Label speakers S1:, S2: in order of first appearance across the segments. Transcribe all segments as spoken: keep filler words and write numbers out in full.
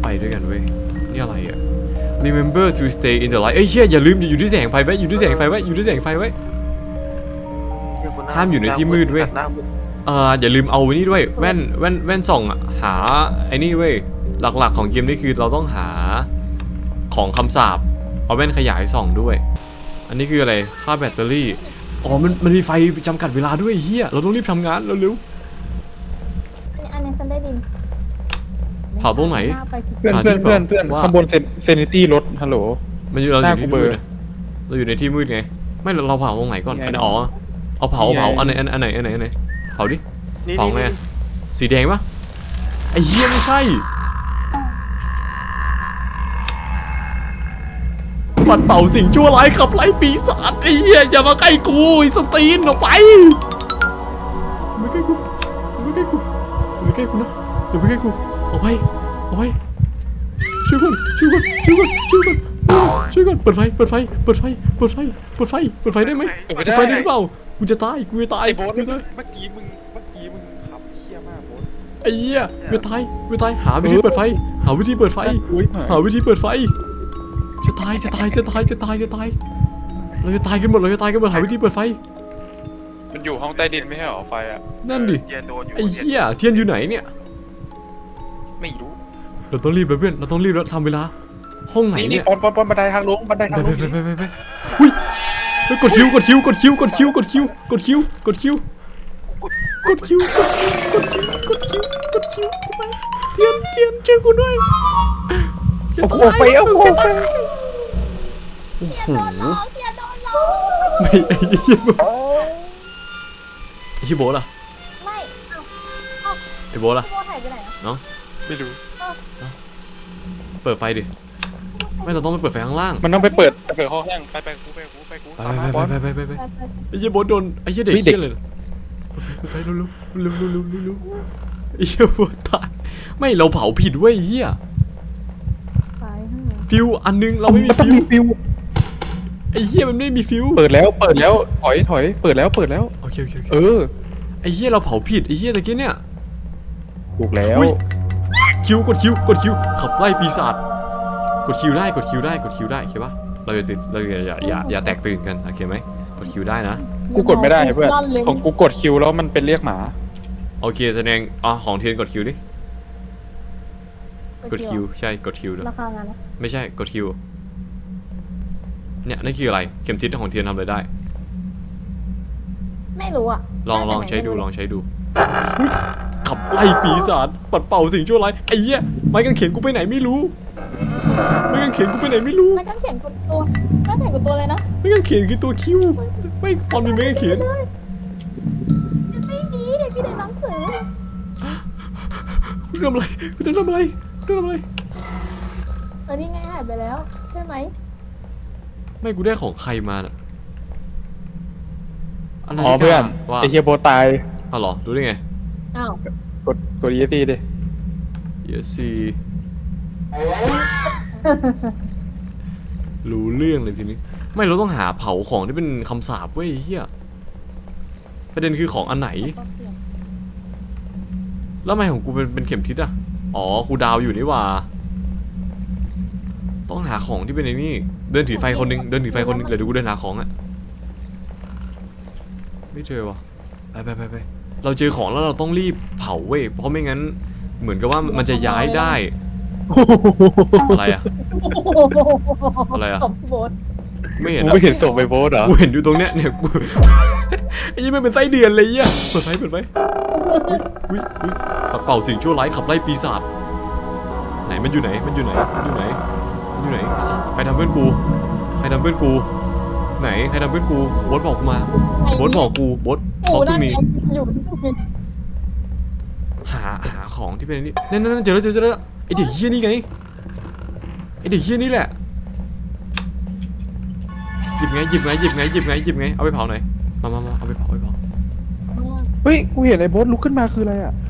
S1: ไปด้วยกันเว้ยนี่อะไรอ่ะ remember to stay in the light เอ้ยเชี่ยอย่าลืมอยู่ที่แสงไฟไว้อยู่ที่แสงไฟไว้อยู่ที่แสงไฟไว้ห้ามอยู่ในที่มืดเว้ยเอ่ออย่าลืมเอาไว้นี่ด้วยแว่นแว่นแว่นส่องอ่ะหาไอ้นี่เว้ยหลักๆของเกมนี่คือเราต้องหาของคำสาปเอาแว่นขยายส่องด้วยอันนี้คืออะไรค่าแบตเตอรี่อ๋อมันมันมีไฟจำกัดเวลาด้วยเฮียเราต้องรีบทำงานเร็ว
S2: อันนี้ฉันได้ดิน
S1: ๆเผาตรงไหน
S3: เพื่อนเพื่อนเพื่อนเพื่อนข้างบนเซนิตี้รถฮัลโหล
S1: มันอยู่เราอยู่ที่มืดเราอยู่ในที่มืดไงไม่เราเผาตรงไหนก่อนอันอ๋อเอาเผาเผาอันไหนอันไหนอันไหนอันไหนเผาดิเผาไงสีแดงปะไอ้เหี้ยไม่ใช่ปัดเป่าสิ่งชั่วร้ายขับไล่ปีศาจไอ้เหี้ยอย่ามาใกล้กูไอ้สตีนออกไปไม่ใกล้กูไม่ใกล้กูไม่ใกล้กูนะอย่าไปใกล้กูเอาไปเอาไปช่วยก่อนช่วยก่อนช่วยก่อนช่วยก่อนช่วยก่อนเปิดไฟเปิดไฟเปิดไฟเปิดไฟเปิดไฟเปิดไฟได้ไหมเปิดไฟได้หรือเปล่ากูจะตายกูจะตาย
S3: ไอ้โบ๊ท
S1: กู
S3: เมื่
S1: จะตาย
S3: อกี้มึงเมื่อกี้มึงขับเชี่ยมากโบ๊ท
S1: ไอ้เหี้ยกูจะตายกูจะตายหาวิธีเปิดไฟหาวิธีเปิดไฟหาวิธีเปิดไฟจะตายจะตายจะตายจะตายจะตายเราจะตายกันหมดเราจะตายกันหมดหาวิธีเปิดไฟ
S3: มันอยู่ห้องใต้ดินไม่ใช่หรอไฟอ่ะ
S1: นั่นดิไอ้เหี้ยเทียนอยู่ไหนเนี่ย
S3: ไม่รู้
S1: เราต้องรีบแล้วเพื่อนเราต้องรีบแล้วทำเวลาห้องไหน
S3: นี่
S1: เนี่
S3: นี่
S1: ย
S3: ปอนปอนปอนบันไดทางลงบันได
S1: ไป
S3: ทางล
S1: ไป
S3: ง
S1: ไปไปไปไปอุ้ยกดคิวกดคิวกดคิวกดคิวกดคิวกดคิวกดคิวกดคิวกดคิวกดคิวกดคิวกดคิวเทียนเทียนช่วยกูด้วย
S3: เอาโคไปเอาโคไป
S1: โอ้โห
S2: โดนล้อเกียร์โดนล้อ
S1: ไม่ไอ้เหี้ยไอ้ชิโบล่ะ
S2: ไม่เอ้าเอ้า
S1: ไอ้โบล่ะ
S2: พี่โบถ่ายไปไหนอ่ะ
S1: เนาะ
S3: ไม่รู้
S1: เปิดไฟดิไม่เราต้องไปเปิดไฟข้างล่าง
S3: มันต้องไปเปิดเปิดห้องข้างไปไปกูไปกูไปกู
S1: ไป
S3: ตามมา
S1: ไป
S3: บอล
S1: ไปไปไปไป
S2: ไปไป
S1: ไอ้เหี้ยโบโดนไอ้เหี้ยเด็กเหี้ยเลยเปิดไฟเร็วเร็วเร็วเร็วเร็วเร็วไอ้เหี้ยโบตายไม่เราเผาผิดเว้ยไอ้เหี้ย
S2: ไปข้างไหน
S1: ฟิวอันนึงเราไม่มี
S3: ต้อง
S1: ฟิว
S3: มีฟิว
S1: ไอ้เหี้ยมันไม่มีฟิว
S3: เปิดแล้วเปิดแล้วถอยถอยเปิดแล้วเปิดแล้ว
S1: โอเคโอเคโอเค
S3: เออ
S1: ไอ้เหี้ยเราเผาผิดไอ้เหี้ยตะกี้เนี่ย
S3: ถูกแล้ว
S1: อุ๊ยคิวกดคิวกดคิวขับไล่ปีศาจกดคิวได้กดคิวได้กดคิวได้โอเคปะเราอย่าติดเราอย่าอย่าอย่าอย่าแตกตื่นกันโอเคไหมกดคิวได้นะ
S3: กูกดไม่ได้เพื่อนของกูกดคิวแล้วมันเป็นเรียกหมา
S1: โอเคแสดงอ๋อของเทียนกดคิวดิกดคิวใช่กดคิวด้วย
S2: ราคางานนะ
S1: ไม่ใช่กดคิวเนี่ยนั่นคืออะไรเข็มทิศของเทียนทำอะไรได้
S2: ไม่รู้อ่ะ
S1: ลองลองใช้ดูลองใช้ดูขับไล่ปีศาจปัดเป่าสิ่งชั่วร้ายไอ้เหี้ยไม้กางเขนกูไปไหนไม่รู้ไม้กางเขนกูไปไหนไม่รู้
S2: ไม่ต้องเขียนกดตัวไม่เขียนกดตัวเลยนะ
S1: ไม้กางเขนคือตัวคิวไม่ฟอนมีไม้กางเขน
S2: ไม่มีเด็กที่ในหนังสือ
S1: กูทำอะไรกูจะทำอะไรกูจะทำอะไร
S2: เออนี่ไงหายไปแล้วใช่ไหม
S1: ไม่กูได้ของใครมาน่ะอันนั้น
S3: อ๋อเพื่อน
S1: ว่า
S3: ไอเฮียโบตาย
S1: อ๋อเหรอรู้ได้ไง
S2: อ้าว
S3: กดกด อี เอส ซี ดิ
S1: เยสีรู้เรื่องเลยทีนี้ไม่เราต้องหาเผาของที่เป็นคำสาปเว้ยเฮียประเด็นคือของอันไหนแล้วทำไมของกูเป็นเป็นเข็มทิศอะอ๋อกูดาวอยู่นี่หว่าต้องหาของที่เป็นไอ้นี่เดินถือไฟคนนึงเดินถือไฟคนนึงเดี๋ยวดูกูเดินหาของอะไม่เจอวะไปไปไปไปเราเจอของแล้วเราต้องรีบเผาเว้ยเพราะไม่งั้นเหมือนกับว่ามันจะย้ายได้อะไรอะอะไรอะ
S2: ขอบโบส
S1: ไม่เห็น
S3: กู
S1: อะ
S3: ไม่เห็นศพไอโบสเหรอ
S1: กูเห็นอยู่ตรงเนี้ยเนี่ยกู ไอ้ยี่มันเป็นไส้เดือนเลยอ่ะเปิดไฟเปิดไฟอุ้ยอุ้ยปัดเป่าสิ่งชั่วร้ายขับไล่ปีศาจไหนมันอยู่ไหนมันอยู่ไหนมันอยู่ไหนมันอยู่ไหนสัตว์ใครทำเพื่อนกูใครทำเพื่อนกูไหนใครทำเพื่อนกูโบ๊ทบอกกูมาโบ๊ทบอกกูโบ๊ทบอกกูมี
S2: อยู่
S1: หาหาของที่เป็นนี่นั่นนั่นเจอแล้วเจอแล้วไอเด็กเฮี้ยนี่ไงไอเด็กเฮี้ยนี่แหละหยิบไงหยิบไงหยิบไงหยิบไงหยิบไงเอาไปเผาหน่อยมามามาเอาไปเผาเอาไปเผา
S3: เฮ้ยกูเห็นไอโบสลุกขึ้นมาคืออะไรอ่ะ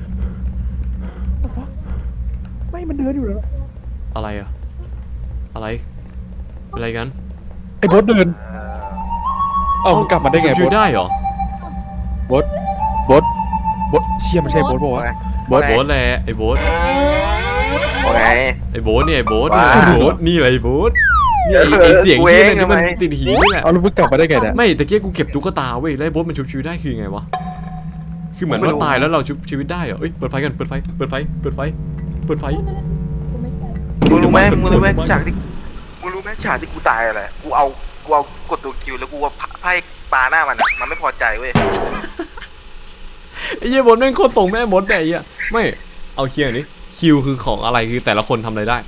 S3: ไม่มันเดินอยู่แล้ว
S1: อะไรอะอะไรอะไรกัน
S3: ไอโบสเดินเอ้ามึงกลับมาได้ไง
S1: จะ
S3: โบ
S1: ฟิว
S3: ส
S1: ได้เหรอ
S3: โบสโบสโบสเชี่ยมันใช่โบสบอกว่าวะ
S1: โบ๊ทโบ๊ทแหละไอ้โบ๊ท
S4: โอเค
S1: ไอ้โบ๊ทเนี่ยไอ้โบ๊ท
S4: ว้า
S1: นี่ไอ้โบ๊ทนี่อะไรโบ๊ทนี่ไอ้ไอ้เสียง
S4: กู
S1: ที่
S4: เอง
S1: นั่นที่มัน
S4: ทำไม
S1: ติดหินนี่แหละ
S3: เอาแล้วมึงกลับมาได้ไงเนี่ย
S1: ไม่ตะเกียกูเก็บตุ๊กตาเว้ยแล้วไอ้โบ๊ทมันชุบชีวิตได้คือไงวะคือเหมือนว่าตายแล้วเราชุบชีวิตได้เหรอเอ้ยเปิดไฟกันเปิดไฟเปิดไฟเปิดไฟเปิดไฟ
S2: กูไม่ใช่
S4: มึงรู้ไหม
S1: เดี๋ยว
S4: มึงรู้ไหม
S1: เดี๋ยว
S4: ฉากที่มึงรู้ไหมฉากที่กูตายอะไรกูเอากูเอากดตัวคิวแล้วกูว่าไพ่ปลาหน้ามันอะมันไม่พอใจเว้ย
S1: ไอ้เหี้ยโบ๊ทแม่งโคตรส่งแม่มดแต่ไอ้เหี้ยไม่เอาเคลียร์นี้คิวคือของอะไรคือแต่ละคนทำอะไรได้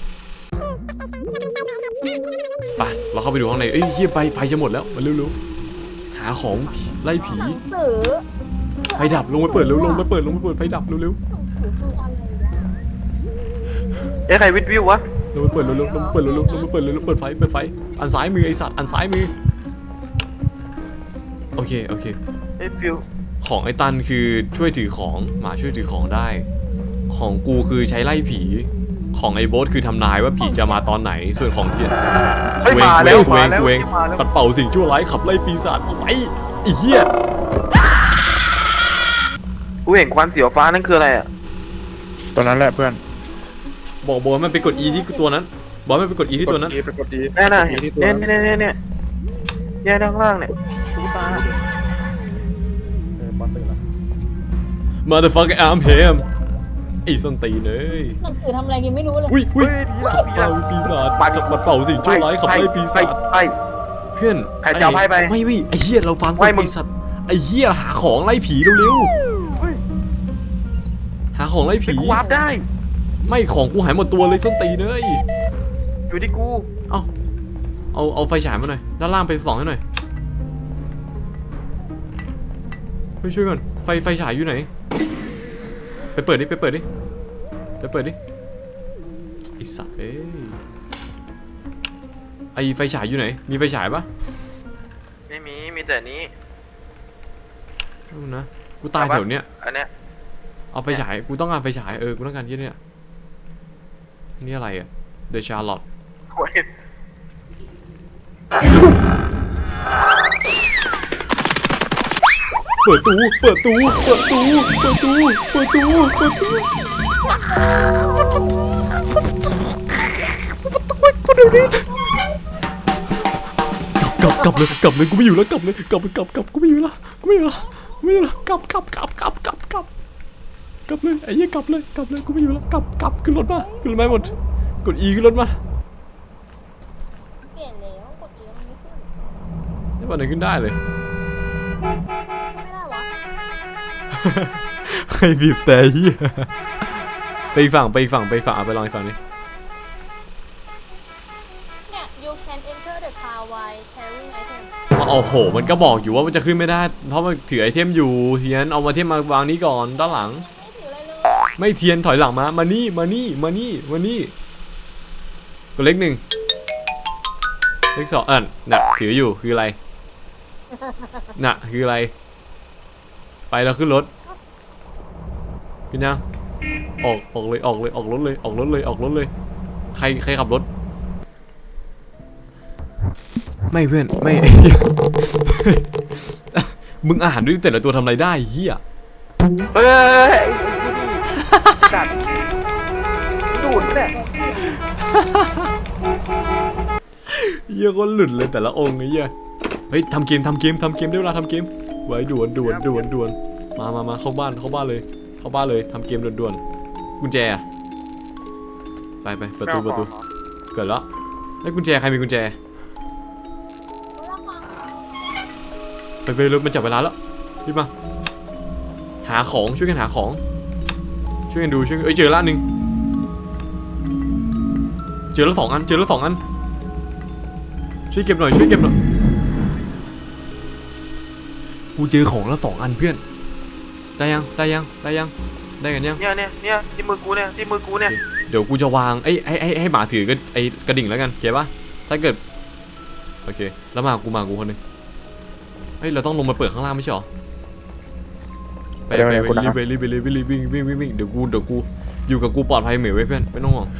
S1: ไปเราเข้าไปดูข้างในเอ้ยเหี้ยไปไฟจะหมดแล้วมาเร็วๆหาของไล่ผี
S2: หนังสือ
S1: ไฟดับลงไปเปิดเร็วลงไปเปิดลงไปเปิดไฟดับเร็ว
S2: หนังสือคืออะไรวะ
S4: เอ้ยใครวิดวิววะ
S1: ๆลงไปเปิดเร็วๆลงไปเปิดเร็วๆลงไปเปิดเร็วๆเปิดไฟเปิดไฟอันซ้ายมือไอสัตว์อันซ้ายมือโอเคโอเค
S4: เอ้ยฟิว
S1: ของไอ้ตันคือช่วยถือของหมาช่วยถือของได้ ของกูคือใช้ไล่ผีของไอ้โบ๊ทคือทำนายว่าผีจะมาตอนไหนส่วนของเทียน
S4: เฮ้ย
S1: กูเอง
S4: มาแล้ว
S1: กู
S4: มา
S1: เอง
S4: แล้ว
S1: กูเอง
S4: มาแล้ว
S1: ปัดเป่าสิ่งชั่วร้ายขับไล่ปีศาจออกไปไอ้เหี้ย
S4: กูเห็นควันสีฟ้านั่นคืออะไรอ่ะ
S3: ตอนนั้นแหละเพื่อน
S1: บอกบอกว่ามันไปกด E ที่ตัวนั้นบอกมันไปกด E ที่ตัวนั้น
S3: กด E ไปกด E
S4: แน่น่ะ
S3: กด E ที่ตัว
S4: เนี่ย
S3: นั้น
S4: เนี่ยเนี่ยเนี่ยเนี่ยด้านล่างเนี่ยตุ๊กตา
S3: เออบอลตื่นแล้ว
S1: Motherfucker I'm him ไอ้ส้นตีนเลย
S2: หนังสือทำอะไรกันไม่รู้เลย
S1: อุ้ยอุ้ย
S4: เฮ้ยดีละ
S1: ขับ
S4: ดี
S1: เป่า
S4: ละ
S1: ปีศาจขับปัดเป่าสิ่งชั่วร้ายขับไล่ปีศาจ
S4: ไป
S1: เพื่อน
S4: ใครจะเอาไพ่ไป
S1: ไม่ไม่ไอ้เหี้ยเราฟัง
S4: ไม่มึง
S1: ปีศาจไอ้เหี้ยหาของไล่ผีเร็วๆหาของไล่
S4: ไป
S1: ผี
S4: กูวาร์ปได้
S1: ไม่ของกูหายหมดตัวเลยส้นตีนเลย
S4: อยู่ที่กู
S1: เอาเอาเอาไฟฉายมาหน่อยด้านล่างไปส่องให้หน่อยเฮ้ยช่วยก่อนไฟไฟฉายอยู่ไหนไปเปิดดิไปเปิดดิไปเปิดดิไอ้สัตว์เอ้ยไอไฟฉายอยู่ไหนมีไฟฉายปะ
S4: ไม่มีมีแต่นี้
S1: ดูนะกูตายแถวเนี้ย
S4: อันเนี้ย
S1: เอาไฟฉายกูต้องการไฟฉายเออกูต้องการที่เนี่ยนี่อะไรอะเดชาร์ลอต
S4: โอ้ย
S1: เปิดตู้เปิดตู้เปิดตู้เปิดตู้เปิดตู้เปิดตู้กลับกลับเลยกลับเลยกูไม่อยู่แล้วกลับเลยกลับกลับกลับกูไม่อยู่แล้วกูไม่อยู่แล้วไม่อยู่แล้วกลับกลับกลับกลับกลับกลับกลับเลยไอ้เหี้ยกลับเลยกลับเลยกูไม่อยู่แล้วกลับกลับขึ้นรถมาขึ้นรถมาหมดกด E ขึ้นรถมา
S2: เปลี่ยนแล้วกดเอียมันไม่ขึ้น
S1: ไม่วันไหนขึ้นได้เลย
S2: ไม่ได้วะ
S1: ใครบีบแต่เหี้ยไปอีกฝั่งไปอีกฝั่งไปอีกฝั่งเอาไปลองอีกฝั่งนี้
S2: เนี่ย you can enter the car while carrying item
S1: โอ้โหมันก็บอกอยู่ว่ามันจะขึ้นไม่ได้เพราะมันถือไอเทมอยู่เทียนเอามาเทมมาวางนี้ก่อนด้านหลัง
S2: ไม่ถืออะไรเลย
S1: ไม่เทียนถอยหลังมามานี่มานี่มานี่มานี่กดเลขหนึ่งเลขสองอ่ะน่ะถืออยู่คืออะไรน่ะคืออะไรไปแล้วขึ้นรถขึ้นยังออกออกเลยออกเลยออกรถเลยออกรถเลยออกรถเลยใครใครขับรถไม่เพื่อนไม่ มึงอ่านด้วยแต่ละตัวทำอะไรได้เฮีย
S4: เฮ้ยจัดดูดเนี่ย
S1: เฮียก็หลุดเลยแต่ละองค์ไอ้เฮียเฮ้ยทำเกมทำเกมทำเกมได้เวลาทำเกมไว้ด่วนด่วนด่วนด่วนมามามาเข้าบ้านเข้าบ้านเลยเข้าบ้านเลยทำเกมด่วนด่วนกุญแจอะไปไปประตูประตูเกิดแล้วไอ้กุญแจใครมีกุญแจไปไปรถมันจับเวลาแล้วรีบมาหาของช่วยกันหาของช่วยกันดูช่วยกันเอ้ยเจอละหนึ่งเจอแล้วสองอันเจอแล้วสองอันช่วยเก็บหน่อยช่วยเก็บหน่อยกูเจอของแล้วสองอันเพื่อนได้ยังได้ยังได้ยังได้กันยัง
S4: เนี่ยเนี่ยเนี่ยที่มือกูเนี่ยที่มือกูเนี่ย
S1: เดี๋ยวกูจะวางไอ้ไอ้ไอ้ให้หมาถือกันไอ้กระดิ่งแล้วกันเข้าปะถ้าเกิดโอเคแล้วมากูมากูคนนึงเฮ้ยเราต้องลงมาเปิดข้างล่างไม่ใช่หรอไปไปไปรีบไปรีบไปรีบรีบวิ่งวิ่งวิ่งวิ่งเดี๋ยวกูเดี๋ยวกูอยู่กับกูปลอดภัยเหมยไว้เพื่อนไม่ต้องห่วง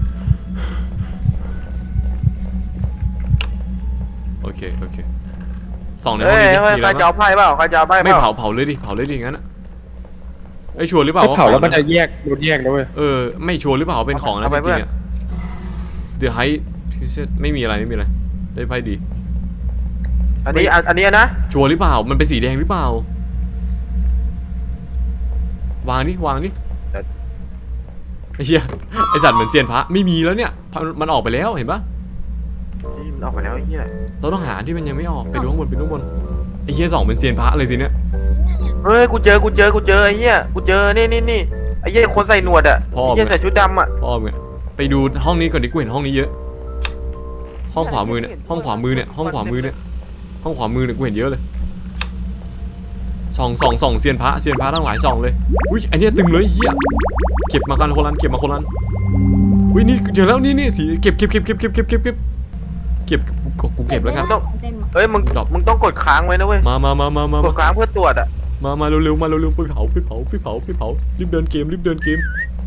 S1: โอเคโอเคส่องในห้อง
S4: เฮ้ย
S1: นี้ดิ
S4: เฮ้ย
S1: มี
S4: ใคร
S1: แล้ว
S4: จะเอาไพ่เปล่าใครจะเอาไพ่เป
S1: ไม่
S4: ล่า
S1: เผาเผาเลยดิเผาเลยดิงั้นอะไอ้ยชัวร์หรือเปล่า
S3: ถ้า
S1: ว่า
S3: เผาแล้ว
S1: ของ
S3: มันจะแยกโดนแยกแล้วเว้ย
S1: เออไม่ชัวร์หรือเปล่าว่าเป็นของนะจริงๆอะเดี๋ยวให้ไม่มีอะไรไม่มีอะไรได้ไพ่ดี
S4: อันนี้อันอันนี้นะ
S1: ชัวร์หรือเปล่ามันเป็นสีแดงหรือเปล่า วางนี่วางนี่ไอ้เหี้ยไอสัตว์เหมือนเซียนพระไม่มีแล้วเนี่ยมันออกไปแล้วเห็นปะ
S4: นี่มันออกไปแล้วไอ้เหี้ย
S1: เราต้องหาที่มันยังไม่ออกไปดูข้างบนไปดูข้างบนไอ้เหี้ยสองเป็นเซียนพระเลยทีเนี้ย
S4: เฮ้ยกูเจอกูเจอกูเจอไอ้เหี้ยกูเจอนี่นี่นี่ไอ้เหี้ยคนใส่หนวดอ่ะ
S1: พ่อ
S4: ไอ้
S1: มึ
S4: เหี้ย
S1: ง
S4: ใส่ชุดดำอ่ะ
S1: พ่อมึงอะไปดูห้องนี้ก่อนดิกูเห็นห้องนี้เยอะ ห้องขวามือเนี่ยห้องขวามือเนี่ยห้องขวามือเนี่ยห้องขวามือเนี่ยกูเห็นเยอะเลยส่องส่องส่องเซียนพระเซียนพระทั้งหลายส่องเลยอุ้ยไอเนี้ยตึงเลยเหี้ยเก็บมากันคนละเก็บมาคนละอุ้ยนี่เจอแล้วนี่นี่สีเก็บเก็บเก็บเก็บเก็บเก็บเก็บเก็บเก็บกูกูเก็บแล้วกัน
S2: เต็มอะ
S4: เฮ้ยมึง
S1: ดอก
S4: มึงต้องกดค้างไว้นะเว้ย
S1: มามามามามา
S4: ก
S1: มา
S4: ดค้างเพื่อตรวจอ่ะ
S1: มามาเร็วๆมาเร็วๆไปเผาไปเผาไปเผาไปเผารีบเดินเกมรีบเดินเกม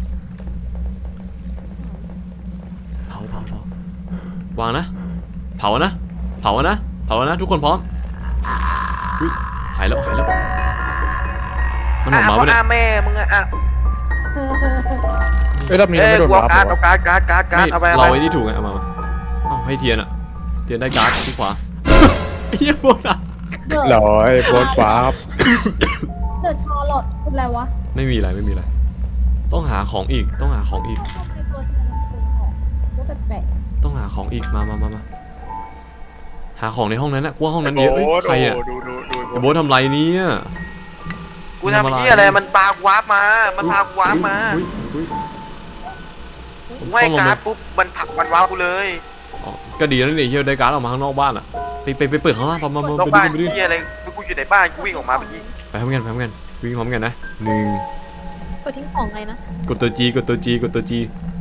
S1: เผาเผาเผาวางนะเผานะเผานะเผานะทุกคนพร้อมอุ้ยหายแล้วหายแล้วมันออกมา
S4: อ่ะ
S1: ปะเนี่ย
S4: อ่ะแม่มึงอ่ะอ่ะ
S2: เออเออเออ
S3: เอ้ยรอบนี้
S4: เอ้
S3: เรา
S4: ย
S3: ไม่โดน
S4: กูเอา
S3: วาร์ป
S4: การ์ด
S3: เหร
S4: เอา
S3: อ
S4: การ์ดการ์ดการ์ดการ์ดเอาไปเอา
S1: เรา
S4: ไป
S1: ไอ้นี่ถูกไงเอามาเอาให้เทียนอะเทียนได้การ์ดที่ขวาเฮียโบนอะ
S2: เกิด
S3: หรอไอ้โบนวาร์ป
S2: เกิดชอร์ลอตเป็นไรวะ
S1: ไม่มีอะไรไม่มีอะไรต้องหาของอีกต้องหาของอีก
S2: ทำไมตัวฉันเป็นของรู้แปลก
S1: ต้องหาของอีกมามามามาหาของในห้องนั้นนะกูว่าห้องนั้นเยอะเอ้ยใครอะ
S3: ดูดูดู
S1: ไอ้โบททำไรเนี่ย
S4: กูทำเหี้ยอะไรมันปากูวาร์ปมา มันพากูวาร์ปมา
S1: อุ๊ยอุ๊ย
S4: กูให้การ์ดปุ๊บมันผลักมันวาร์ปกูเลย
S1: อ๋อก็ดีแล้วนี่เฮียได้การ์ดออกมาข้างนอกบ้านอ่ะไปไปไปเปิดข้างล่างมามามา
S4: ต้อง
S1: ไป
S4: บ้าน
S1: ดูไปดู
S4: เหี้ยอะไรกูอยู่ในบ้านกูวิ่งออกมาเมื่อกี้
S1: ไปพร้อมกันไปพร้อมกันวิ่งพร้อมกันนะหนึ่ง
S2: ๆกดทิ้งของไงนะ
S1: กดตัว G กดตัว G กดตัว G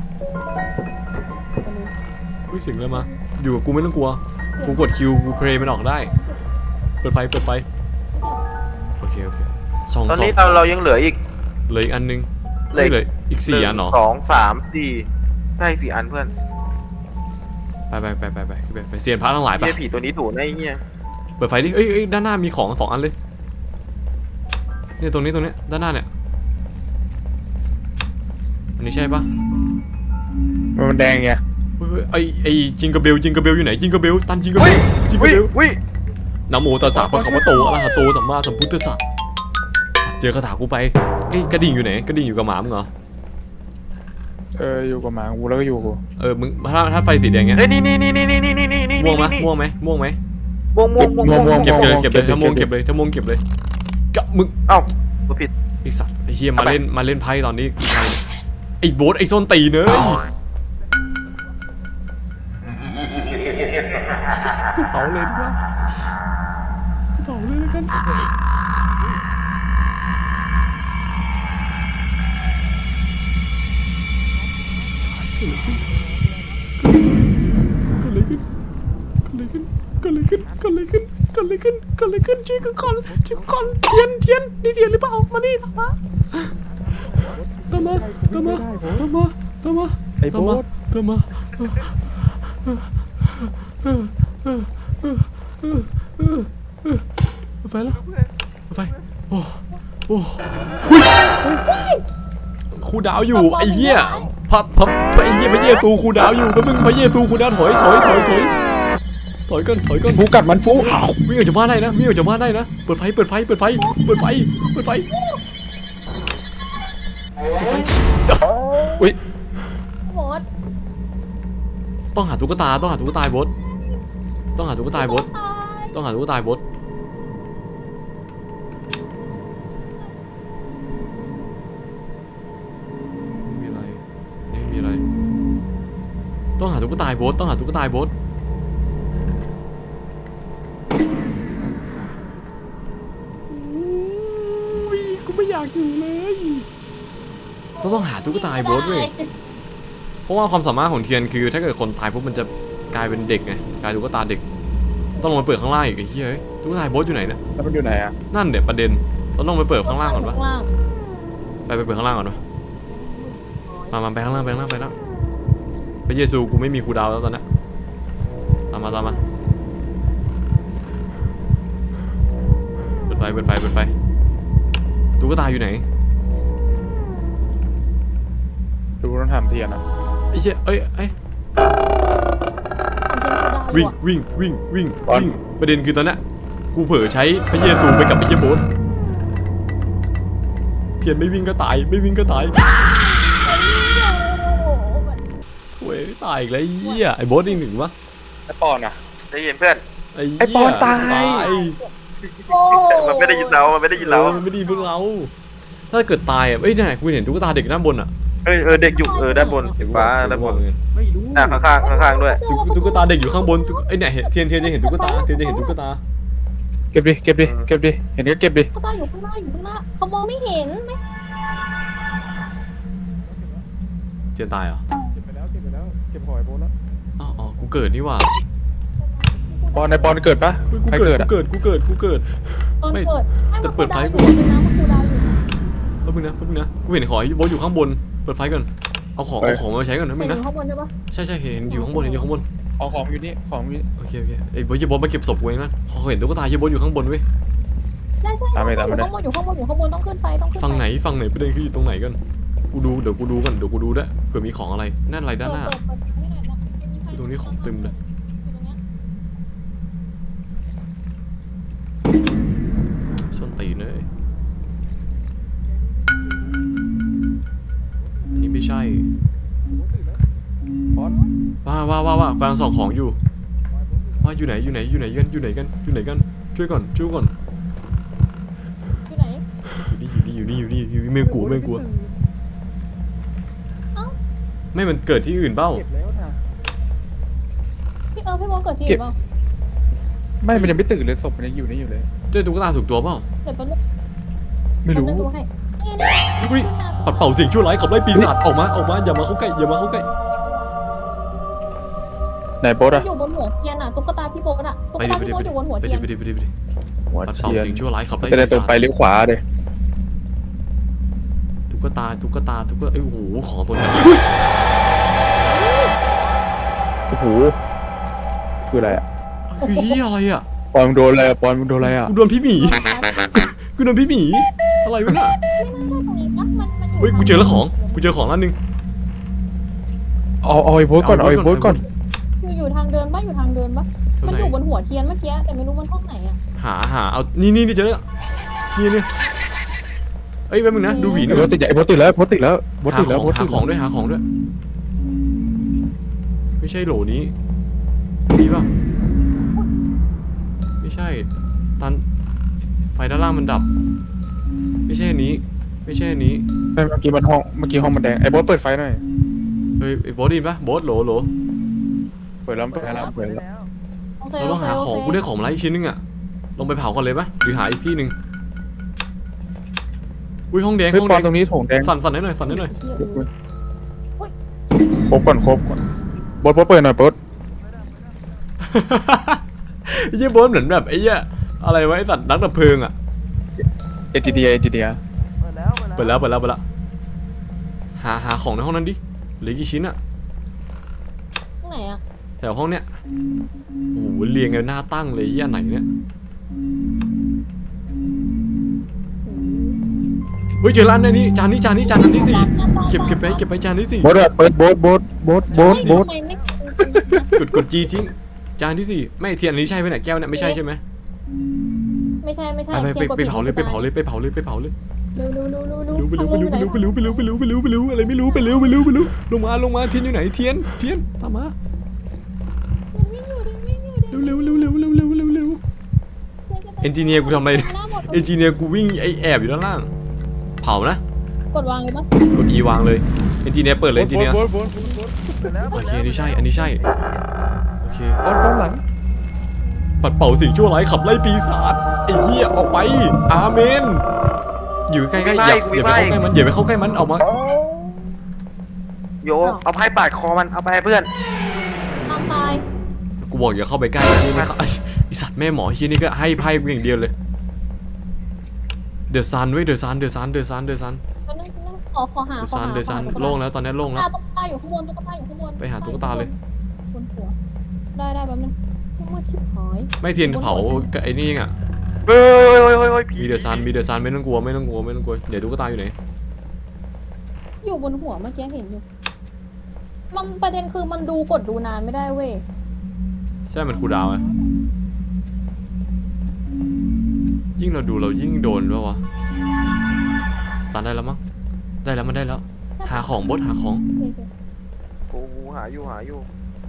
S1: อุ้ยเสียงอะไรมาอยู่กับกูไม่ต้องกลัวกูกดคิวกูเพลย์มันออกได้เปิดไฟเปิดไฟโอเคโอเคสอง
S4: ตอน
S1: สอง
S4: นี้เราเรายังเหลืออีก
S1: เหลืออีกอันนึง
S4: เหลือ
S1: ไม่เหลืออีกสี่อันเหรอ
S4: สองสามสี่ใช่สี่อันเพื่อน
S1: ไปไปไปไปไปขึ้นไปไปเซียนพระทั้งหลายไป
S4: เหี้ยผีตัวนี้ถูกนะไอ้เหี้ย
S1: เปิดไฟดิเอ้ยเอ้ยด้านหน้ามีของสองอันเลยเนี่ยตรงนี้ตรงนี้ด้านหน้าเนี่ยอันนี้ใช่ปะ
S3: มันแดงไง
S1: เฮ้ยเฮ้ยไอไอจิงกระเบลจิงกระเบลอยู่ไหนจิงกระเบลตันจิงกระเบ
S4: วิ
S1: ลจิงกระ
S4: วิ
S1: เบล
S4: วิ
S1: นะโมตัสสะพระคัมภโตอะระหะโตสัมมาสัมพุทธัสสะสัตว์เจอคาถากูไปไอ้กระดิ่งอยู่ไหนกระดิ่งอยู่กับหมามึงเหรอ
S3: เอออยู่กับหมากูแล้วก็อยู่กู
S1: เออมึงถ้าถ้าไฟสีแดงเงี้ย
S4: เฮ้ยนี่นี่นี่นี่นี่นี่นี่นี่
S1: ม่วงไหม
S4: นี่
S1: ม่วงไหมม่วงไหม
S4: ม่วงม่วงม่วงม่วง
S1: เก็บเลยเก็บเลยถ้าม่วงเก็บเลยถ้าม่วงเก็บเลยกะมึง
S4: เอ้ากูผิด
S1: ไอสัตว์ไอเฮียมาเล่นมาเล่นไพ่ตอนนี้ใครเนี่ยไอโบ๊ทไอส้นตีนเนยกูเผาเลยดีกว่ากูเผาเลยแล้วกันเกิดอะไรขึ้นเกิดอะไรขึ้นเกิดอะไรขึ้นเกิดอะไรขึ้นเกิดอะไรขึ้นเกิดอะไรขึ้นช่วยกูก่อนช่วยกูก่อนเทียนเทียนนี่เทียนหรือเปล่ามานี่ตามมาตามมาตามมาตามมาตามมา
S3: ไอ้โบ
S1: ตามมา
S3: ส
S1: ตามมาไปแล้วไปโอ้โอ้ครูดาวอยู่ไอ้เหี้ยพับพับไอ้เหี้ยพระเยซูครูดาวอยู่ก็มึงพระเยซูครูดาวถอยถอยถอยถอยถอยก่อนถอยก่อน
S3: ฟูกัดมันฟูอ้าว
S1: วิ่งออกจากบ้านได้นะวิ่งออกจากบ้านได้นะเปิดไฟเปิดไฟเปิดไฟเปิดไฟเปิดไฟ
S3: อุ้ย
S2: โบส
S1: ต้องหาตุ๊กตาต้องหาตุ๊กตาบดต้องหาตุ๊กตาบด
S2: ตาย
S1: ต้องหาตุ๊กตาบดไม่มีอะไรไม่มีอะไรต้องหาตุ๊กตาบดต้องหาตุ๊กตาบดอุ้ยกูไม่อยากอยู่เลยเราต้องหาตุ๊กตาบดเว้ย เพราะว่าความสามารถของเทียนคือถ้าเกิดคนตายปุ๊บมันจะกลายเป็นเด็กไงกลายตุ๊กตาเด็กต้องลงไปเปิดข้างล่างอีกไอ้เหี้ยเฮ้ยตุ๊กตาโบ๊ทอยู่ไหนนะ
S3: แล้วมันอยู่ไหนอ่ะ
S1: นั่นเดี๋ยวประเด็นต้องลงไปเปิดข้างล่างก่อนปะ
S2: ข้างล่าง
S1: ไปไปเปิดข้างล่างก่อนปะมามาไปข้างล่างไปข้างล่างไปแล้วพระเยซูกูไม่มีครูดาวแล้วตอนนี้ตามมาตามมาเปิดไฟเปิดไฟเปิดไฟตุ๊กตาอยู่ไหน
S3: ดูต้องทำเทียนนะ
S1: ไอ้เหี้ยเอ้ยเอ้ย
S2: ของเจนกูได้
S1: วิ่ง
S2: ว่ะ
S1: วิ่งวิ่งวิ่งวิ่งประเด็นคือตอนนั้นกูเผลอใช้พระเยซูไปกับพระเยโบสเทียนไม่วิ่งก็ตายไม่วิ่งก็ตาย
S2: โอ้โห
S1: โว้ยตายอีกแล้วไอ้เหี้ยไอ้โบสอีกหนึ่งวะ
S3: แล้วปอนอ่ะ
S4: ได้ยินเพื่อน
S1: ไอ้
S3: ไอ้
S1: เหี้
S3: ปอนตาย
S2: โอ้
S4: มันไม่ได้ยินเรามันไม่ได้ยินเรา
S1: เออมันไม่ดีพวกเรา ถ้าเกิดตายอ่ะเอ้ยเนี่ยกูเห็นตุ๊กตาเด็กด้านบนอ่ะ
S4: เออเออเด็กอยู่เออด้านบนเด็กฟ้าด้านบน
S3: ไม่รู้
S4: อ่ะข้างๆข้างๆด้วย
S1: ตุ๊กตุ๊กตาเด็กอยู่ข้างบนตุ๊กเอ้ยเนี่ยเห็นเทียนเทียนจะเห็นตุ๊กตาเทียนจะเห็นตุ๊กตา
S3: เก็บดิเก็บดิเก็บดิเห็นก็เก็บดิ
S2: เขาตาอยู่ข้างหน้าอยู่ข้างหน้าเขามองไม่เห็นไหม
S1: เทียนตายเหรอ
S3: เก็บไปแล้วเก็บไปแล้วเก็บหอยโบนแล้ว
S1: อ๋ออ๋อกูเกิดนี่หว่า
S3: ปอนในปอนเกิดปะ
S1: เฮ้ยกู
S3: ใคร
S1: เกิ
S3: เกิ
S1: ด
S3: ด
S1: กู
S3: อ่ะ
S1: เกิดกูเกิดกูเกิด
S2: ตอน
S1: ไม่
S2: เกิด
S1: แต่เปิดไฟก่
S2: ก่
S1: อ
S2: อน นนะมันกูดาวอยู่
S1: แป๊บนึงนะแป๊บนึงนะกูเห็นขอโบสอยู่ข้างบนเปิดไฟก่อนเอาของเอาของมาใช้ก่อนนะมึ
S2: เห็
S1: ง
S2: นอ
S1: นะ
S2: ยู่ข้างบนใช่ปะ
S1: ใช่ใช่เห็นอยู่ข้างบนเห็นอยู่ข้างบน
S3: เอาของอยู่นี่ของอยู่นี่
S1: โอเคโอเคไอ้โบสโบสมาเก็บศพกูเองนะพอเห็นตุ๊กตาเฮียโบสอยู่ข้างบนเว้ย
S2: ใช่ใช่อยู่ข้างบนอยู่ข้างบนอยู่ข้างบนต้องขึ้นไปต้องขึ้นไป
S1: ฝั่งไหนฝั่งไหนประเด็นคืออยู่ตรงไหนกันกูดูเดี๋ยวกูดูก่อนเดี๋ยวกูดูด้วยเผื่อมีของอะไรนั่นอะไรด้านหน้า
S2: เปิดเปิดเปิดไม่ได้นะไม่มีไฟ
S1: ตรงนี้ของเต็มเลย ส้นตีนเลยอันนี้ไม่ใช่
S3: ปอน
S1: ว่าว่าว่าว่ากำลังส่องของอยู่ว่าอยู่ไหนอยู่ไหนอยู่ไหนกันอยู่ไหนกันอยู่ไหนกันช่วยก่อนช่วยก่อน
S2: อยู่ไหน
S1: อยู่นี่อยู่นี่อยู่นี่อยู่นี่ไม่กลัวไม่กลัว
S2: เอ้า
S1: ไม่มันเกิดที่อื่นเปล่า
S3: เก็บแล้วนะ
S2: พี่เออพี่โมเกิดที่ไหนบ้าง
S3: ไม่มันยังไม่ตื่นเลยศพมันยังอยู่นี่อยู่เลย
S1: เจอตุ๊กตาถูกตัวเปล่า
S2: เดี๋ยวแป๊บนึง
S3: ไม่รู้
S2: แป๊บนึงดูให้นี่นี่
S1: อุ้ยปัดเป่าสิ่งชั่วร้ายขับไล่ปีศาจออกมาออกมาอย่ามาเข้าใกล้อย่ามาเข้าใกล้
S3: ไหนโบส
S2: มัน
S3: อ่ะ
S2: อยู่บนหัวเทียนอ่ะตุ๊กตาพี่โบนอ่ะตุ๊ก
S1: ไปดิ
S2: ตา
S1: ไป
S2: พี่
S1: ดิ
S2: โบ
S1: ไป
S2: น
S1: ดิ
S2: อยู่บนหัว
S1: ไป
S2: เที
S1: ดิ
S2: ยน
S1: ไปดิไปดิไปดิ
S3: หัว
S1: ปัดเป่า
S3: เทียน
S1: สิ่งชั่วร้ายขับไล่
S3: จะได้
S1: ปี
S3: ตรง
S1: ศาจ
S3: ไปหรือขวาเด้
S1: ตุ๊กตาตุ๊กตาตุ๊กตาไอ้ยโอ้โหของตัวนี้
S3: โอ้โหคืออะไรอ่ะ
S1: คือเหี้ยอะไรอ่ะ
S3: ปอนมึงโดนอะไรอ่ะปอนมึงโดนอะไรอ่ะ
S1: กูโดนพี่หมีกูโดนพี่หมีอะไรวะน่ะ
S2: ไม่น่าใช่ตรงนี้ปะมันมันอยู่
S1: เฮ้ยกูเจอแล้วของกูเจอของร้านหนึง
S3: เอาเอาไอ้โบสก่อนเอาไอ้โบสก่อน
S2: อยู่อยู่ทางเดินปะอยู่ทางเดินปะมันอยู่บนหัวเทียนเมื่อกี้แต่ไม่รู้มันห้องไหนอ่ะ
S1: หาหาเอานี่นี่นี่เจอแล้วนี่นี่เอ้ยแป๊บนึงนะดูหวีห
S3: ไอ้
S1: น่อย
S3: โบสติดไอ้โบสติดแล้วโบสติดแล้วโบส
S1: หา
S3: ติด
S1: ข
S3: แล้
S1: อ
S3: ว
S1: ง
S3: โบส
S1: หา
S3: ติด
S1: ของด้วยหาของด้วยไม่ใช่โหลนี้นี่ป่ะไม่ใช่ตันไฟด้านล่างมันดับ ไม่ใช่อันนี้ ไม่ใช่อันนี้
S3: ไม่เมื่อกี้มันห้องเมื่อกี้ห้องมันแดงไอ้โบสเปิดไฟหน่อย
S1: เฮ้ยไอ้โบอสไดีป่ะโบอสโหลโหล
S3: เปิดแล้วเปิดแล้วเปิดแล้ว
S2: โอเค
S1: เราต้องหา
S2: โเค
S1: ของ
S2: โเค
S1: กูได้ของมาแล้วอีกชิ้นนึงอะลงไปเผาก่อนเลยปะหรือหาอีกที่หนึ่งอุ้ยห้องแดง
S3: เฮ้ย
S1: ห้อง
S3: ป
S1: แด
S3: อน
S1: ง
S3: ตรงนี้โถงแดง
S1: สั่นสั่นให้หน่อยสั่นให้หน่อย
S3: ครบก่อนครบก่อนโบสโบสเปิดหน่อยโบส
S1: ไอ้เหี้ยโบอสเหมือนแบบไอ้เหี้ยอะไรวะไอ้สัตว์นักดับเพลิงอะ
S3: เอจิเดียเอจิเดีย
S1: เปิดแล้วเปิดแล้วเปิดแล้วหาหาของในห้องนั้นดิเหลือกี่ชิ้นอะ
S2: ตรงไหนอ่ะ
S1: แถวห้องเนี้ยโอ้โหเรียงกันหน้าตั้งเลยไอ้เหี้ยไหนเนี่ยเฮ้ยเจอร้านในนี้จานนี้จานนี้จานอันที่สี่เก็บเก็บไปเก็บไปจานที่สี่
S3: โบสอะเปิดโบสโบสโบสโบสโบส
S2: ทำไมไม่
S1: กดกดจีทิ้งจานที่สี่ไม่เทียนอันนี้ใช่ไหมเนี่ยแก้วเนี่ยไม่ใช่ใช่ไหม
S2: ไม่ใช่ไม่ใช่
S1: ไปไปไป
S2: ทียนกด
S1: ไป
S2: ผิด
S1: เผาเลยไปเผาเลยไปเผาเลยไปเผาเลย
S2: เร็วเร็วเร็วเร็วเร็ว
S1: ไปเร็วไปเร็วไปเร็วไปเร็วไปเร็วไปเร็วไปเร็วไปเร็วไปเร็วอะไรไม่รู้ไปเร็วไปเร็วไปเร็วลงมาลงมาเทียนอยู่ไหนเทียนเทียนตามมาเร็วเร็วเร็วเร็วเร็วเร็วเร็วเร็วเอนจิเนียร์กูทำอะไรเอนจิเนียร์กูวิ่งไอแอบอยู่ด้านล่างเผานะ
S2: กดวางเลยปะ
S1: กด E วางเลยเอนจิเนียร์เปิดเลยเอนจิเนียร์
S3: โบสโบสโบสโบส
S1: โอเคอันนี้ใช่อันนี้ใช่โอเค
S3: โบสโบสหลัง
S1: ปัดเป่าสิ่งชั่วร้ายขับไล่ปีศาจไอ้เหี้ยออกไปอาเมนอยู่ใกล้ๆอย่าอย่าไปเข้าใกล้มันอย่าไปเข้าใกล้มันออกมา
S4: โยเอาไพ่ปาดคอมันเอาไปให้เพื่อน
S2: ตามตาย
S1: กูบอกอย่าเข้าไปใกล้นี่ไม่เข้าไอสัตว์แม่หมอที่นี่ก็ให้ไพ่กูอย่างเดียวเลยเดอะซันเว้ยเดอะซันเดอะซันเดอะซันเดอะซัน
S2: มันนั่งนั่งขอขอหา
S1: เดอะ
S2: ขอ
S1: ซัน
S2: หา
S1: เดอะซัน
S2: ขอหา
S1: โล่งแล้วตอนนี้โล่งแล้ว
S2: ตุ๊กตาอยู่ข้างบนตุ๊กตาอยู่ข้างบน
S1: ไปหาตุ๊กตาเลย
S2: บนหัวได้ได้แป๊บนึงมืดชิบหาย
S1: ไม่เทียนเผากับไอ้นี่เองอ่ะ
S4: เฮ้ยเฮ้ยเฮ้ยเฮ้ยผี
S1: มีเดอะซันมีเดอะซันไม่ต้องกลัวไม่ต้องกลัวไม่ต้องกลัวเดี๋ยวตุ๊กตาอยู่ไหน
S2: ออยู่บนหัวเมื่อกี้เห็นอยู่มันประเด็นคือมันดูกดดูนานไม่ได้เว้ย
S1: ใช่มันคูลดาวน์ไงยิ่งเราดูเรายิ่งโดนด้วยวะตันได้แล้วมั้งได้แล้วมันได้แล้ว หาของบดหาของ
S4: กูหาอยู่หาอยู่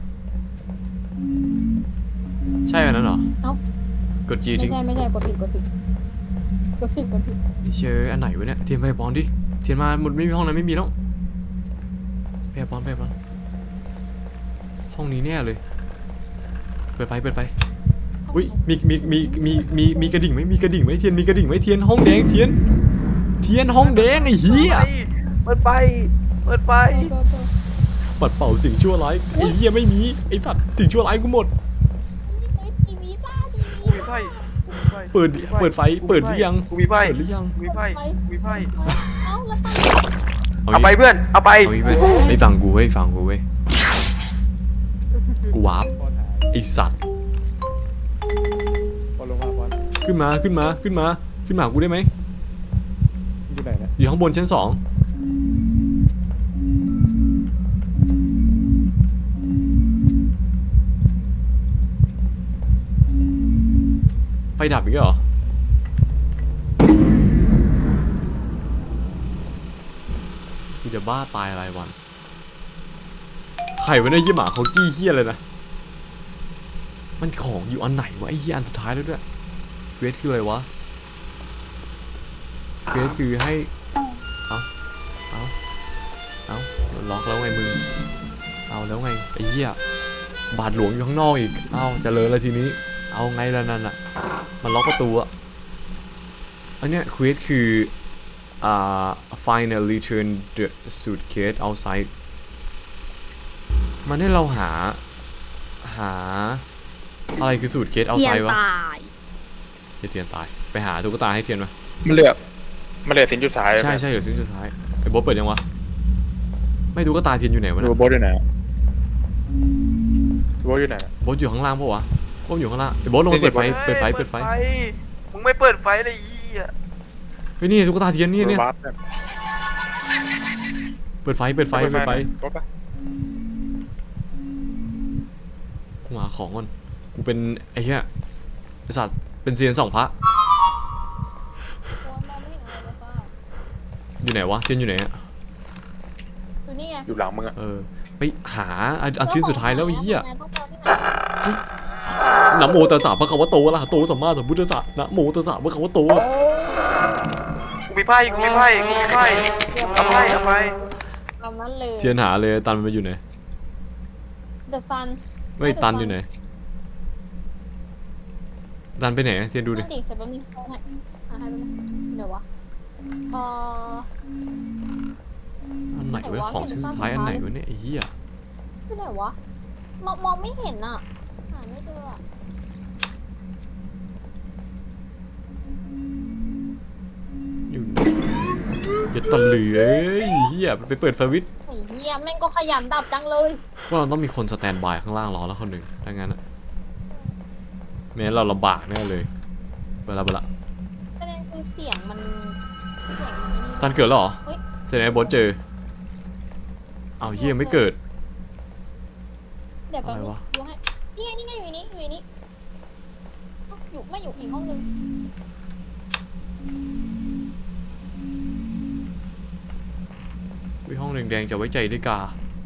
S1: ใช่อันนั้นเหรอ
S2: เอ้าก
S1: ดจี
S2: ไม่
S1: ทิ้ง
S2: ใช่ไม่ใช่กดผิดกดผิดกดผิดกดผิด
S1: เชื่ออันไหนวะเนี่ยเทียนไปปอนดิเทียนมาหมดไม่มีห้องนั้นไม่มีแล้วไปปอนไปปอนห้องนี้แน่เลยเปิดไฟเปิดไฟอุ้ยมีมีมีมีมีมีกระดิ่งไหมมีกระดิ่งไหมเทียนมีกระดิ่งไหมเทียนห้องแดงเทียนเทียนห้องแดงไอ้เหี้ย
S4: เปิดไฟเปิดไฟ
S2: เปิดเปิด
S1: ปัดเป่าสิ่งชั่วร้ายไอ้เหี้ยไม่มีไอ้สัตว์สิ่งชั่วร้ายกูหมด
S2: เฮ้ยทีวีจ้าที
S4: กู
S2: วี
S4: มีไฟกูมีไฟ
S1: เปิดเปิดไฟเปิดหรือยัง
S4: กูมีไฟ
S1: เปิดหรือยัง
S4: กูมีไฟกูมีไฟ
S2: เอ้าแล้วตั้ง
S4: เอาไปเพื่อนเอาไป
S1: เอางี้ไปไอ้ฟังกูเว้ยฟังกูเว้ยกูวาร์ปไอ้สัตว์
S3: บอลลงมาบอล
S1: ขึ้นมาขึ้นมาขึ้นมาขึ้นมาหากูได้ไหม
S3: อยู่ไหนนะ
S1: อยู่ข้างบนชั้นสองไฟดับอีกแล้วเหรอกูจะบ้าตายอะไรวันใครวะเนี่ยยี่หมาเขากี้เฮี้ยเลยนะมันของอยู่อันไหนวะไอ้เฮี้ยอันสุดท้ายแล้วด้วยเควสคืออะไรวะเควสคือให้เอาเอาเอาล็อกแล้วไงมึงเอาแล้วไงไอ้เหี้ยบาทหลวงอยู่ข้างนอกอีกเอาเจะเลยแล้วทีนี้เอาไงล่ะนั่นอ่ะมันล็อกประตูอะอันเนี้ยเควสคืออ่า finally turn the suitcase outside มันให้เราหาหาอะไรคือสูตรเคสเอาไซวะ
S2: ย
S1: เทียนตายไปหาตุ๊กตาให้เทียนมา
S3: มันเหลือมันเหลือสินจุดสาย
S1: ใช่ใช่เดี๋ยวสิ้นสุดท้ายไอ้โบ๊ทเปิดยังวะไม่ตุ๊กตาเทียนอยู่ไหนวะ
S3: ดู
S1: เนี่ย
S3: โบสอยู่ไหนโบสอยู่ไหน
S1: โบ๊ทอยู่ข้างล่างปะวะโบ๊ทอยู่ข้างล่างไอ้โบ๊ทลงไปเปิดไฟเปิดไฟเปิดไฟ
S4: มึงไม่เปิดไฟเลยอีอ่ะ
S1: เฮ้ยนี่ตุ๊กตาเทียนนี่เนี่ย
S3: บัสเนี่ย
S1: เปิดไฟเปิดไฟเปิดไฟ
S3: รถปะ
S1: กูหาของก่อนกูเป็นไอ้เหี้ยไอ้สัตว์เป็นเซียนสองพระ
S2: ตัวมองไม่เห็นอะไรเลยป่ะ
S1: อยู่ไหนวะเทียนอยู่ไหนอะ
S2: อยู่นี่ไง
S3: อยู่หลังมึงอะ
S1: เออไปหาอันอันชิ้นสุดท้ายแล้วไอ้เหี้ย
S2: ต้องเจอที่ไหน
S1: นะโมตัสสะพระคัมภโตอะระหะโตสัมมาสัมพุทธัสสะนะโมตัสสะพระคัมภโต
S4: กูมีไพ่กูมีไพ่กูมีไพ่เอาไพ่เอาไพ่
S2: ตามนั้นเลย
S1: เทียนหาเลยตันมันอยู่ไหน
S2: เดอะซัน
S1: ไม่ตันอยู่ไหนตันไปไหนเทียนดูดิ
S2: ดิเสร็จแป๊บนึงเอาให้หาให้แป๊บนึงเดี๋ยววะเอ่อ
S1: อันไหนวะของชิ้นสุดท้ายอันไหนวะเนี่ยไอ้เหี้ย
S2: ที่ไหนวะมองมองไม่เห็นอ่ะหาไม่เจออ่ะ
S1: อยู่อย่าตะเหลือไอ้เหี้ยไปเปิดสวิตช์
S2: ไอ้เหี้ยแม่งก็ขยันดับจังเลย
S1: ว่าเราต้องมีคนสแตนบายข้างล่างรอแล้วคนหนึ่งถ้างั้นอะไม่งั้นเราลำบากแน่เลยเวลาเวลา
S2: ประเด็นคือเสียงมันเสียงมันนี่
S1: ตันเกิดแล้วเหรอ
S2: เฮ้ย
S1: เสร็จแล้วไอ้บอสเจอเอาเหี้ยไม่เกิด
S2: เดี๋ยวแป๊บนึ
S1: อะไร
S2: ง
S1: วะ
S2: ดูให้นี่ไงนี่ไงอยู่ในนี้อยู่ในนี้เอ้าอยู่ไม่อยู่อีกห้องนึง
S1: วิห้องแดงๆจะไว้ใจได้กา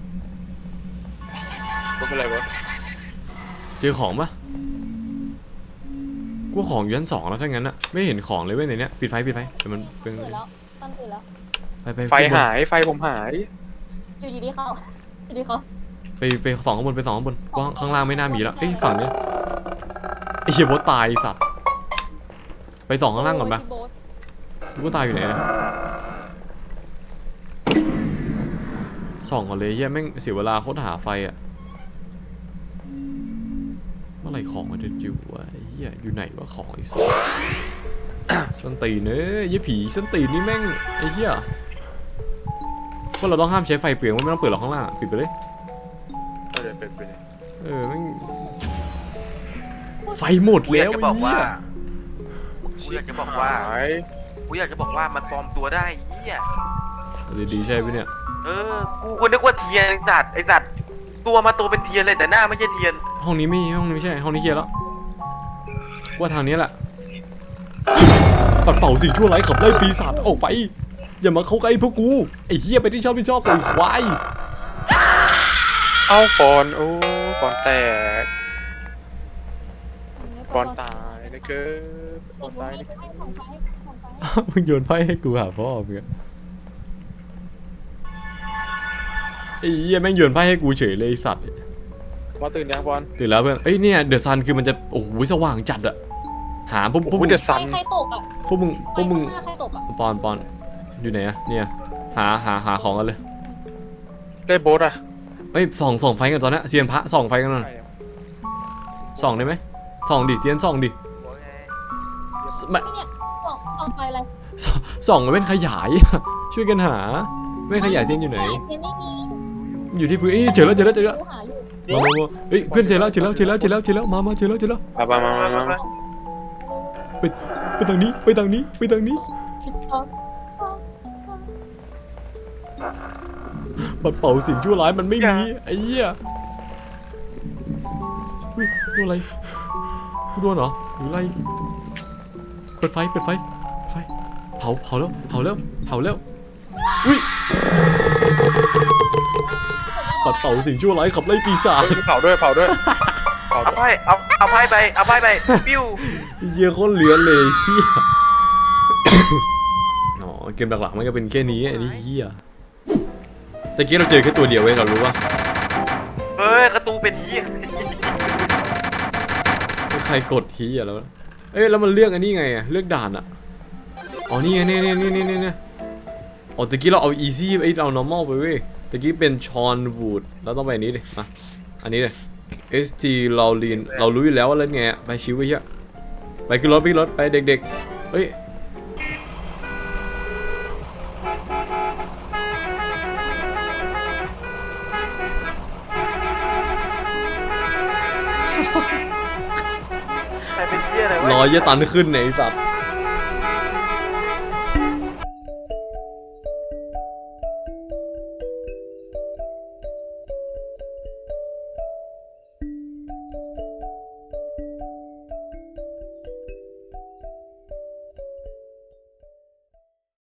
S3: รถเป็นไรวะ
S1: เจอของปะกูว่าของอยู่ชั้นสองแล้วถ้างั้นอะไม่เห็นของเลยเว้ยในเนี้ยปิดไฟปิดไฟเดี๋ยวมันเป็น
S2: ตื่นแล้วตั้นตื่นแล้ว
S1: ไปไป
S3: ไฟ
S1: ขึ้นบน
S3: หายไฟผมหาย
S2: อยู่ดีๆเขาอยู่ดีๆเขา
S1: ไปไปสองข้างบนไปสองข้างบนว่าข้างล่างไม่น่ามีแล้วเอ้ยฝั่งเนี้ยไอ้เหี้ยบอสตายไอ้สัตว์ไปสองข้างล่างก่อนปะ
S2: โบ๊ท
S1: กูก็ตายอยู่ไหนนะส่องก่อนเลยเหี้ยแม่งเสียเวลาโคตรหาไฟอะเมื่อไหร่ของมันจะอยู่วะไอ้เหี้ยอยู่ไหนวะของไอ้สัส ส้นตีนเอ้ยยี่ผีส้นตีนนี่แม่งไอ้เหี้ยพวกเราต้องห้ามใช้ไฟเปลืองไม่ต้องเปิดหรอกข้างล่างปิดไปเลย
S3: เออเป็นเป็น
S1: เออแม่งไฟหมด
S4: กูอ
S1: แล้
S4: ยาก
S1: ว
S4: จะ
S1: ไอ้
S4: บอก
S1: เหี้
S4: ว่าย กูอยากจะบอกว่า
S3: หาย
S4: กูอยากจะบอกว่ามันปลอมตัวได้เหี้ย
S1: ดีๆใช่ไหมเนี่ย
S4: เออกูก็นึกว่าเทียนไอ้สัตว์ไอ้สัตว์ตัวมาตัวเป็นเทียนเลยแต่หน้าไม่ใช่เทียน
S1: ห้องนี้ไม่ห้องนี้ไม่ใช่ห้องนี้เคลียร์แล้วว่าทางนี้แหละปัดเป่าสิ่งชั่วร้ายขับไล่ปีศาจออกไปอย่ามาเข้าใกล้พวกกูไอ้เหี้ยไปที่ชอบไม่ชอบไอ้ควาย
S3: เอาปอนโอ้ปอนแตกปอนตายนะเกิดปอนตายนะ
S2: ให้ของไฟของไฟ
S1: มึงโยนไพ่ให้กูหาพ่อมึงอะไอ้เหี้ยแม่งโยนไพ่ให้กูเฉยเลยไอ้สัตว์
S3: มาตื่นยังปอน
S1: ตื่นแล้วเพื่อนเอ้ยเนี่ยเดอะซันคือมันจะโอ้โหสว่างจัดอะหาพวกพวกมึง
S3: เดือดสัน
S2: ใครตกอ่ะ
S1: พวกมึงพวกมึง
S2: ใครใครตกอ่ะ
S1: ปอนปอนอยู่ไหนอะเนี่ยหาหาหาของกันเลย
S3: ได้โบสอะ
S1: เอ้ยส่องส่องไฟกันตอนนี้เซียนพระส่องไฟกันหน่อยส่องได้ไหมส่องดิเซียนส่องดิไม่
S2: นี่เนี่ยตกตกไฟอะไร
S1: ส่องส่องมันเป็นขยาย ช่วยกันหาไม่ขยายเทียนอยู่ไหน
S2: เทียนไม่มี
S1: อยู่ที่พื้นเอ้ยเจอแล้วเจอแล้วเจอแล้ว
S2: ดูหาอยู่
S1: มามามาเฮ้ยเพื่อนเจอแล้วเจอแล้วเจอแล้วเจอแล้วเจอแล้วมามาเจอแล้วเจอแล้ว
S3: มามามามามา
S1: ไปไปทางนี้ไปทางนี้ไปทางนี้ปัดเป่าสิ่งชั่วร้ายมันไม่มีไอ้เหี้ยอุ้ยโดนอะไรกูโดนเหรอหรืออะไรเปิดไฟเปิดไฟไฟเผาเผาแล้วเผาแล้วเผาแล้วอุ้ยปัดเป่าสิ่งชั่วร้ายขับไล่ปีศาจ
S3: เผาด้วยเผาด้วยเผา
S4: เอา
S3: ด้วย
S4: ไพ่เอาเอาไพ่ไปเอาไพ่ไปปิ้ว
S1: เหี้ยโคตรเลือนเลยเหี้ย อ๋อเกมหลักๆมันก็เป็นแค่นี้ไอ้นี่เหี้ยแต่กี้เราเจอแค่ตัวเดียวเว้ยเรารู้ว่า
S4: เฮ้ยกระตูเป็นเหี้ย
S1: ใครกดทีอ่ะแล้วเอ้ยแล้วมันเลือกอันนี้ไงอะเลือกด่านอะอ๋อนี่ไงนี่นี่นี่นี่นี่อ๋อตะกี้เราเอา easy ไอ้เอา normal ไปเว้ยตะกี้เป็นชอนวูดแล้วต้องไปอันนี้ดิมาอันนี้เลย st เราลีนเรารู้อยู่แล้วว่าเล่นไงอะไปชิวไปเหี้ยไปขึ้นรถไปขึ้นรถไปเด็กๆเฮ้ย
S4: ใครเป็นเหี้ยอะไร
S1: รอ
S4: วะ
S1: เหี้ยตันขึ้นเนี่ยไอ้สัตว์